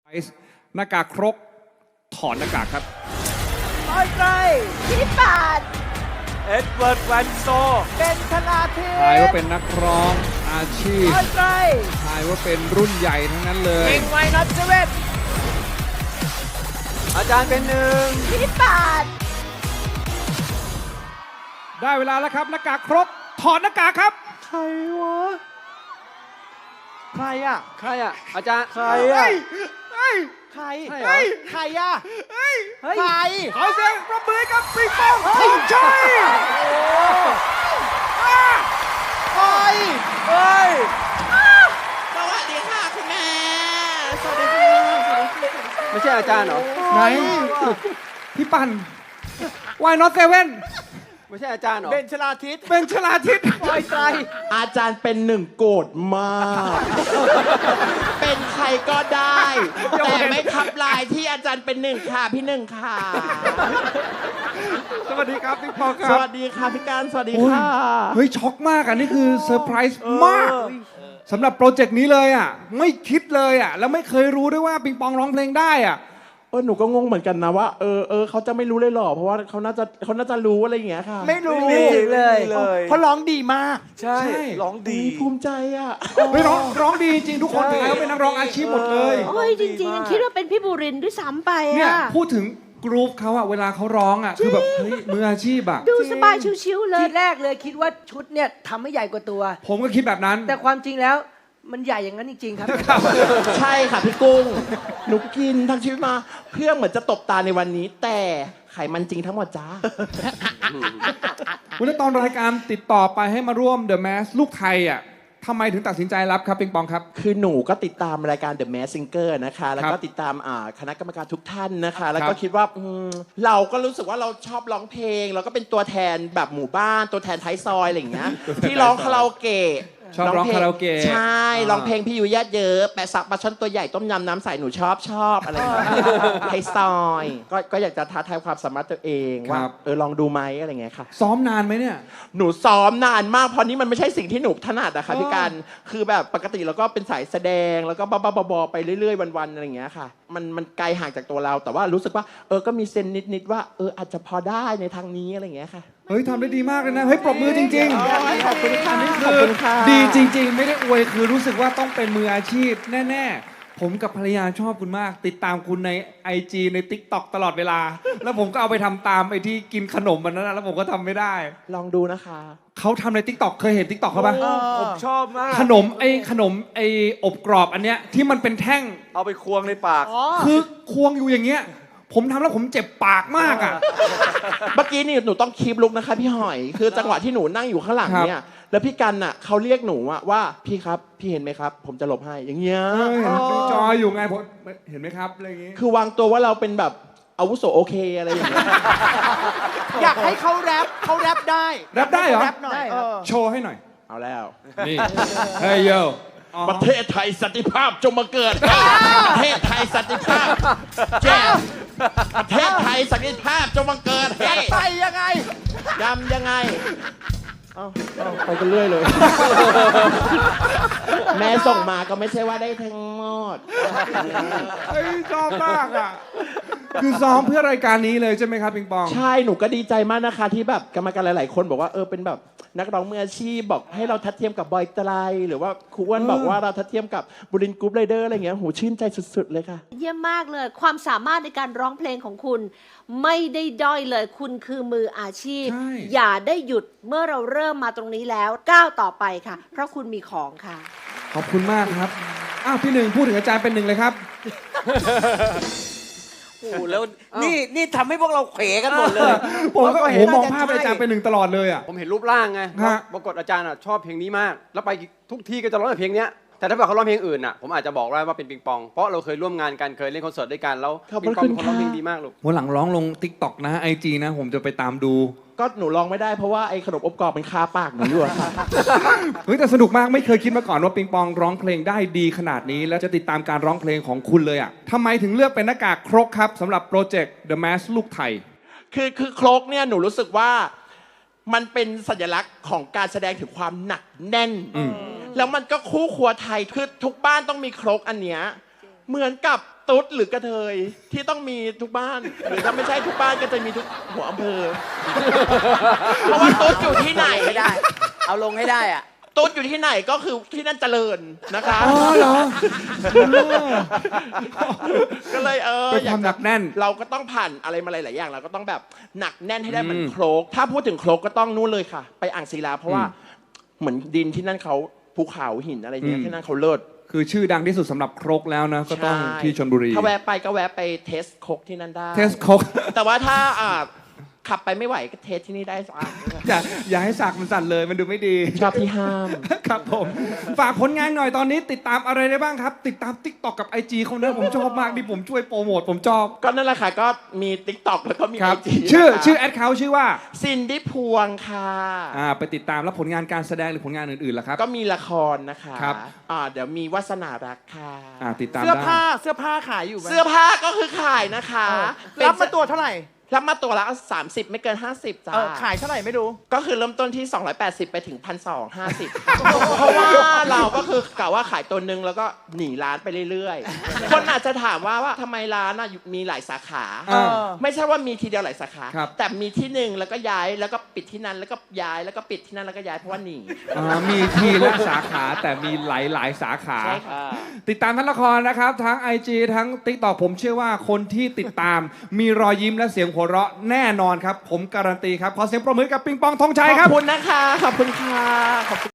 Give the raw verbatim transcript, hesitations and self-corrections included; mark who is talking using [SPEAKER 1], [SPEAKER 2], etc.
[SPEAKER 1] หน้ากากครกถอนหน้ากากครับ
[SPEAKER 2] ปอยไตร
[SPEAKER 3] พี่ปาด
[SPEAKER 2] เอ็ดเวิร์ดแวนโซเป็นธนาเทพ
[SPEAKER 1] ทายว่าเป็นนักร้องอาชีพ
[SPEAKER 2] ปอยไตร
[SPEAKER 1] ทายว่าเป็นรุ่นใหญ่ทั้งนั้นเลย
[SPEAKER 2] เก่งไวนัทเซเว่นอาจารย์เป็นหนึ่ง
[SPEAKER 3] พี่ปาด
[SPEAKER 1] ได้เวลาแล้วครับหน้ากากครกถอนหน้ากากครับ
[SPEAKER 2] ใครวะใครอ่ะ
[SPEAKER 4] ใครอ่ะ อาจารย์
[SPEAKER 2] ใครอ่ะ
[SPEAKER 1] เฮ้ย
[SPEAKER 2] ใคร
[SPEAKER 4] ใช่เหรอ
[SPEAKER 2] ใครอ่ะ
[SPEAKER 1] เฮ้ย
[SPEAKER 2] ใคร
[SPEAKER 1] ขอเสียงปรบมือกับปิงปองธงชัย
[SPEAKER 2] ใครเฮ้ย
[SPEAKER 5] สวัสดีค่ะคุณแม่ สวัสดีค่ะสวัสดีค่ะ
[SPEAKER 4] ไม่ใช่อาจารย์เหรอ
[SPEAKER 1] ไหนพี่ปั่น Why not seven
[SPEAKER 4] ไม่ใช่อาจารย์เหรอ
[SPEAKER 2] เบนชลาทิศ
[SPEAKER 1] เป็นชลาทิศ
[SPEAKER 2] ปอยไตร
[SPEAKER 5] อาจารย์เป็นหนึ่งโกรธมาก เป็นใครก็ได้ แต่ไม่ทับลายที่อาจารย์เป็นหนึ่งค่ะ พี่หนึ่งค่ะ
[SPEAKER 1] สวัสดีครับปิงปองค
[SPEAKER 5] ส
[SPEAKER 1] รับ
[SPEAKER 5] วัสดีค่ะพี่การสวัสดี
[SPEAKER 1] โอ้ย
[SPEAKER 5] ค่ะ
[SPEAKER 1] เฮ้ยช็อกมากอ่ะนี่คือเซอร์ไพรส์มากสำหรับโปรเจกต์นี้เลยอ่ะไม่คิดเลยอ่ะแล้วไม่เคยรู้ด้วยว่าปิงปองร้องเพลงได้อ่ะ
[SPEAKER 5] เออหนูก็งงเหมือนกันนะว่าเออเออเขาจะไม่รู้เลยเหรอเพราะว่าเขาน่าจะเขาน่าจะรู้อะไรอย่างเงี้ยค่ะ
[SPEAKER 2] ไม่รู้
[SPEAKER 4] ไม่มีเลย
[SPEAKER 2] เพราะร้องดีมาก
[SPEAKER 4] ใช่ ร้องดี
[SPEAKER 5] ภูมิใจอ่ะ
[SPEAKER 1] เฮ้ยร้องร้องดีจริงทุกคนถือว่าเป็นนักร้องอาชีพหมดเลย
[SPEAKER 3] โอ้ยจริงๆยังคิดว่าเป็นพี่บุรินทร์ด้วยซ้ำไป
[SPEAKER 1] เนี่ย
[SPEAKER 3] อ่ะ
[SPEAKER 1] พูดถึงกรุ๊ปเขาอะเวลาเขาร้องอะคือแบบเฮ้ยมืออาชีพอะ
[SPEAKER 3] ดูสบายชิวๆเลย
[SPEAKER 6] ทีแรกเลยคิดว่าชุดเนี่ยทำให้ใหญ่กว่าตัว
[SPEAKER 1] ผมก็คิดแบบนั้น
[SPEAKER 6] แต่ความจริงแล้วมันใหญ่อย่างนั้นจริง ๆ ครับ
[SPEAKER 5] ใช่ค่ะพี่กุ้งหนูกินทั้งชีวิตมาเพื่อเหมือนจะตบตาในวันนี้ แต่ไขมันจริงทั้งหมดจ้า
[SPEAKER 1] วันนี้ตอนรายการติดต่อไปให้มาร่วม The Mask ลูกไทยอะทำไมถึงตัดสินใจรับครับปิงปองครับ
[SPEAKER 5] คือหนูก็ติดตามรายการ The Masked Singer นะคะ แล้ว
[SPEAKER 1] ค
[SPEAKER 5] ก็
[SPEAKER 1] รับ
[SPEAKER 5] ติดตามอ่าคณะกรรมการทุกท่านนะคะ แล้ว
[SPEAKER 1] ค
[SPEAKER 5] ก็
[SPEAKER 1] รับ
[SPEAKER 5] คิดว่าอืมเราก็รู้สึกว่าเราชอบร้องเพลง แล้วก็เป็นตัวแทนแบบหมู่บ้าน ตัวแทนท้ายซอยอะไรอย่างเงี้ย ที่ร้องคาราโอเกะ
[SPEAKER 1] ชอบร้องคาราโอเกะ
[SPEAKER 5] ใช่
[SPEAKER 1] อ่า
[SPEAKER 5] ร้องเพลงพี่ยุยญาติเยอะ แปะสักปลาช่อนตัวใหญ่ต้มยำน้ำใสหนูชอบชอบอะไรอย่างเงี้ยท้ายซอย ก็ก็อยากจะท้าทายความสามารถตัวเองว่าเออลองดูไหมอะไรอย่างเงี้ยค่ะ
[SPEAKER 1] ซ้อมนานไหมเนี่ย
[SPEAKER 5] หนูซ้อมนานมากเพราะนี่มันไม่ใช่สิ่งที่หนูถนัดอะค่ะ
[SPEAKER 1] อ๋อ
[SPEAKER 5] พี่การคือแบบปกติเราก็เป็นสายแสดงแล้วก็บ้าๆบอๆไปเรื่อยๆวันๆอะไรอย่างเงี้ยค่ะมันมันไกลห่างจากตัวเรา แต่ว่ารู้สึกว่าเออก็มีเซนนิดๆว่าเอออาจจะพอได้ในทางนี้อะไรอย่างเงี้ยค่ะ
[SPEAKER 1] เฮ้ยทำได้ดีมากเลยนะ เฮ้ยปรบมือจริง
[SPEAKER 5] ขอบคุณค่ะ
[SPEAKER 1] อันนี้
[SPEAKER 5] ขอบ
[SPEAKER 1] คือ
[SPEAKER 5] คุณค่ะ
[SPEAKER 1] ดีจริง ๆ ไม่ได้อวยคือรู้สึกว่าต้องเป็นมืออาชีพแน่ๆ ผมกับภรรยาชอบคุณมาก ติดตามคุณใน ไอ จี ใน ติ๊กต็อก ตลอดเวลา แล้วผมก็เอาไปทำตามไอ้ที่กินขนมมันนั้นนะแล้วผมก็ทำไม่ได้
[SPEAKER 5] ลองดูนะคะ
[SPEAKER 1] เขาทำใน ติ๊กต็อก เคยเห็น ติ๊กต็อก เขาปะ
[SPEAKER 4] ผมชอบมาก
[SPEAKER 1] ขนมไอ้ขนมไอ้อบกรอบอันเนี้ยที่มันเป็นแท่ง
[SPEAKER 4] เอาไปควงในปาก
[SPEAKER 1] คือควงอยู่อย่างเงี้ย ผมทำแล้วผมเจ็บปากมากอ่ะ
[SPEAKER 5] เมื่อกี้นี่หนูต้องคีบลุกนะคะพี่หอย คือจังหวะที่หนูนั่งอยู่ข้างหลังเนี่ยแล้วพี่กันน่ะเขาเรียกหนูอะว่าพี่ครับพี่เห็นไหมครับ ผมจะหลบให้อย่างเงี้ย
[SPEAKER 1] เฮ้ยดูจออยู่ไงผมเห็นไหมครับอะไรอย่างงี้
[SPEAKER 5] คือวางตัวว่าเราเป็นแบบอาวุโสโอเคอะไรอย่างเงี้ย
[SPEAKER 2] อยากให้เขาแรปเขาแรปได้
[SPEAKER 1] แรปได้เหรอ
[SPEAKER 2] แรปหน่อย
[SPEAKER 6] ได้ครับ
[SPEAKER 2] เออ
[SPEAKER 1] โชว์ให้หน่อย
[SPEAKER 5] เอาแล้ว
[SPEAKER 1] นี่ เฮ้ยโย
[SPEAKER 5] ประเทศไทยสันติภาพจงมาเกิด ประเทศไทยสันติภาพแจ้งประเทศไทยสันติภาพจงมาเกิดเฮ้ย
[SPEAKER 2] ไปยังไง
[SPEAKER 5] ยำยังไงเอาเอาไปกันเรื่อยเลย แม่ส่งมาก็ไม่ใช่ว่าได้ทั้งหมด
[SPEAKER 1] เฮ้ยชอบมากอ่ะ คือซ้อมเพื่อรายการนี้เลยใช่ไหมครับปิงปอง
[SPEAKER 5] ใช่ หนูก็ดีใจมากนะคะ ที่แบบกรรมการหลาย ๆ คนบอกว่าเออเป็นแบบนักร้องมืออาชีพบอกให้เราทัดเทียมกับบอยไตรหรือว่าครูอ้วนบอกว่าเราทัดเทียมกับบุรินทร์กรุ๊ปไรเดอร์อะไรเงี้ยโหชื่นใจสุด ๆ เลยค่ะ
[SPEAKER 3] เยี่ยมมากเลย ความสามารถในการร้องเพลงของคุณ ไม่ได้ด้อยเลย คุณคือมืออาชีพ
[SPEAKER 1] ใช่
[SPEAKER 3] อย่าได้หยุดเมื่อเราเริ่มมาตรงนี้แล้วก้าวต่อไปค่ะ เพราะคุณมีของค่ะ
[SPEAKER 1] ขอบคุณมากครับ อ้าวพี่หนึ่งพูดถึงอาจารย์เป็นหนึ่งเลยครับ
[SPEAKER 7] โอ้โหแล้วนี่นี่ทำให้พวกเราเขวกันหมดเลย
[SPEAKER 1] ผมก็
[SPEAKER 7] เราก็
[SPEAKER 1] โอ้
[SPEAKER 7] เห็
[SPEAKER 1] โห
[SPEAKER 7] น
[SPEAKER 1] มอง
[SPEAKER 7] น่าจะ
[SPEAKER 1] ภาพอาจารย์
[SPEAKER 7] ใช่
[SPEAKER 1] เป็นหนึ่งตลอดเลยอ่ะ
[SPEAKER 4] ผมเห็นรูปร่างไง
[SPEAKER 1] ฮะ
[SPEAKER 4] ปรากฏอาจารย์อ่ะชอบเพลงนี้มาก แล้วไปทุกที่ก็จะร้องแต่เพลงเนี้ย แต่ถ้าเกิดเขาร้องเพลงอื่นอ่ะ ผมอาจจะบอกได้ว่าเป็นปิงปอง เพราะเราเคยร่วมงานกัน เคยเล่นคอนเสิร์ตด้วยกัน แล้ว
[SPEAKER 5] ขอบ
[SPEAKER 4] ปิ
[SPEAKER 5] พ
[SPEAKER 4] ง
[SPEAKER 5] ระ
[SPEAKER 4] ปอง
[SPEAKER 5] คุณ
[SPEAKER 4] เป็นคนร้องเพลง
[SPEAKER 5] ค่ะ
[SPEAKER 4] ดีมากลูก
[SPEAKER 1] วันหลังร้องลง ติ๊กต็อก นะ ไอ จี นะ ผมจะไปตามดู
[SPEAKER 5] ก็หนูลองไม่ได้เพราะว่าไอ้ขนมอบกรอบมันคาปากหนูอยู่อะค่ะ
[SPEAKER 1] เฮ้ยแต่สนุกมากไม่เคยคิดมาก่อนว่าปิงปองร้องเพลงได้ดีขนาดนี้ แล้วจะติดตามการร้องเพลงของคุณเลยอ่ะทำไมถึงเลือกเป็นหน้ากากครกครับสำหรับโปรเจกต์ The Mask ลูกไทย
[SPEAKER 5] คือคือโครกเนี่ยหนูรู้สึกว่ามันเป็นสัญลักษณ์ของการแสดงถึงความหนักแน่น
[SPEAKER 1] อืม
[SPEAKER 5] แล้วมันก็คู่ครัวไทยคือทุกบ้านต้องมีโครกอันเนี้ยเหมือนกับตุ๊ดหรือกระเทยที่ต้องมีทุกบ้าน หรือถ้าไม่ใช่ทุกบ้านก็จะมีทุกหัวอำเภอ เพราะว่าตุ๊ดอยู่ที่ไหน
[SPEAKER 7] ไม่ได้ เอาลงให้ได้อ่ะ
[SPEAKER 5] ตุ๊ดอยู่ที่ไหนก็คือที่นั่นเจริญนะคะ
[SPEAKER 1] อ๋อเหรอ
[SPEAKER 5] ก็เลยเออ
[SPEAKER 1] เป็นความหนักแน่น
[SPEAKER 5] เราก็ต้องผ่านอะไรมาหลายๆอย่างเราก็ต้องแบบหนักแน่นให้ได้เหมือน
[SPEAKER 1] อืม
[SPEAKER 5] โครก ถ้าพูดถึงโครกก็ต้องนู่นเลยค่ะ ไปอ่างศิลาเพราะว่า
[SPEAKER 1] อืม
[SPEAKER 5] เหมือนดินที่นั่นเขาภูเขาหินอะไรเงี้ย
[SPEAKER 1] อืม
[SPEAKER 5] ที่นั่นเขาเลิศ
[SPEAKER 1] คือชื่อดังที่สุดสำหรับครกแล้วนะ ก็ต้อง
[SPEAKER 5] ใช่
[SPEAKER 1] ที่ชลบุรี
[SPEAKER 5] ถ้าแวะไปก็แวะไปเทสโคกที่นั่นได้
[SPEAKER 1] เทสครก
[SPEAKER 5] แต่ว่าถ้าอ่าขับไปไม่ไหวก็เทสที่นี่ได้สะอาด
[SPEAKER 1] อย่าอย่าให้สากมันสั่นเลยมันดูไม่ดี
[SPEAKER 5] ชอบที่ห้าม
[SPEAKER 1] ครับผม ฝากผลงานหน่อยตอนนี้ติดตามอะไรได้บ้างครับ ติดตาม ติ๊กต็อก กับ ไอ จี เขานะผมชอบมากที่ผมช่วยโปรโมทผมชอบ
[SPEAKER 5] ก็นั่นแหละค่ะก็มี ติ๊กต็อก แล้วก็มี
[SPEAKER 1] ค
[SPEAKER 5] ไอ
[SPEAKER 1] รับ
[SPEAKER 5] จี
[SPEAKER 1] ชื่อชื่อแอดเขาชื่อว่า
[SPEAKER 5] ซินดี้พวงค่ะ
[SPEAKER 1] อ่าไปติดตามแล้วผลงานการแสดงหรือผลงานอื่นๆล่ะครับ
[SPEAKER 5] ก็มีละครนะคะ
[SPEAKER 1] ครับ
[SPEAKER 5] อ่าเดี๋ยวมีวาสนารักค่ะ
[SPEAKER 1] อ่าติดตาม
[SPEAKER 2] เสื้อ
[SPEAKER 1] ได้
[SPEAKER 2] ผ้าเสื้อผ้าขายอยู่ไหม
[SPEAKER 5] เสื้อผ้าก็คือขายนะคะ
[SPEAKER 2] เออ
[SPEAKER 5] เป็น
[SPEAKER 2] รับมาตัวเท่าไหร่
[SPEAKER 5] รับมาตัวละสามสิบไม่เกิน ห้าสิบจ้า
[SPEAKER 2] เออขายเท่าไหร่ไม่รู้
[SPEAKER 5] ก็คือเริ่มต้นที่ สองร้อยแปดสิบ ไปถึง หนึ่งพันสองร้อยห้าสิบ เพราะว่าเราก็คือกะว่าขายตัวหนึ่งแล้วก็หนีร้านไปเรื่อยๆ คนอาจจะถามว่าว่าทำไมร้านน่ะมีหลายสาขา
[SPEAKER 1] เออ
[SPEAKER 5] ไม่ใช่ว่ามีทีเดียวหลายสาขา
[SPEAKER 1] ครับ
[SPEAKER 5] แต่มีที่หนึ่งแล้วก็ย้ายแล้วก็ปิดที่นั้นแล้วก็ย้ายแล้วก็ปิดที่นั่นแล้วก็ย้ายเพราะว่าหนี
[SPEAKER 1] อ่ามีทีละสาขาแต่มีหลายๆสาขา
[SPEAKER 5] ใช่ค่ะ
[SPEAKER 1] ติดตามทั้งละครนะครับ ทั้ง ไอ จี ทั้ง ติ๊กต็อก ผมเชื่อว่าคนที่ติดตาม มีรอยยิ้มและเสียงหัวเราะแน่นอนครับ ผมการันตีครับ ขอเสียงปรบมือกับปิงปองธงชัย
[SPEAKER 5] ข
[SPEAKER 1] ครับ
[SPEAKER 5] อบคุณนะคะ ขอบคุณค่ะขอบคุณ